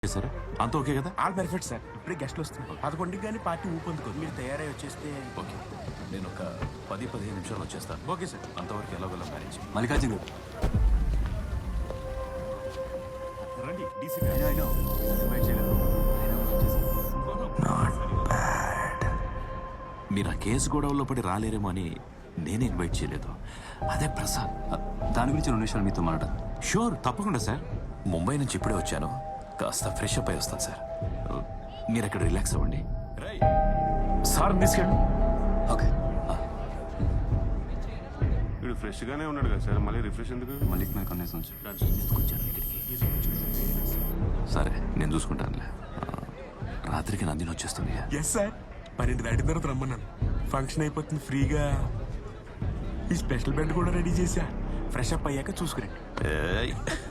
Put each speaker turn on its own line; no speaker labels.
Sir అంత okay కదా?
All perfect sir. ఇప్పుడే గెస్ట్లు వస్తున్నారు. 11కి కానీ పార్టీ ఊపందుకోదు. మీరు తయారై వచ్చేస్తే
ఓకే, నేను ఒక 10-15 నిమిషాలు వచ్చేస్తాను.
Okay sir.
అంతవరకు ఎలాగోలా మేనేజ్.
మల్లికార్జున గారు
రండి డీసీ
మీరు ఆ కేసు గొడవల్లో పడి రాలేరేమో అని నేనే ఇన్వైట్ చేయలేదు. అదే ప్రసాద్.
దాని గురించి 2 నిమిషాలు మీతో మాట్లాడాలి.
షూర్, తప్పకుండా సార్. ముంబై నుంచి ఇప్పుడే వచ్చాను, కాస్త ఫ్రెష్ అప్ అయి వస్తాను సార్. మీరు అక్కడ రిలాక్స్ అవ్వండి. సార్ తీసుకెళ్ళి.
ఓకే.
వీడు ఫ్రెష్ గానే ఉన్నాడు కదా సార్, మళ్ళీ రిఫ్రెష్ ఎందుకు?
మల్లిక్ మీద కన్నేసి ఉంచు.
తీసుకొచ్చాను ఇక్కడికి. సరే, నేను చూసుకుంటానులే. రాత్రికి నందిని వచ్చేస్తుంది.
Yes sir. 12 దాటిన తర్వాత రమ్మన్నాను. ఫంక్షన్ అయిపోతుంది ఫ్రీగా. ఈ స్పెషల్ బెడ్ కూడా రెడీ చేశా. ఫ్రెష్ అప్ అయ్యాక చూసుకురండి.
ఏయ్,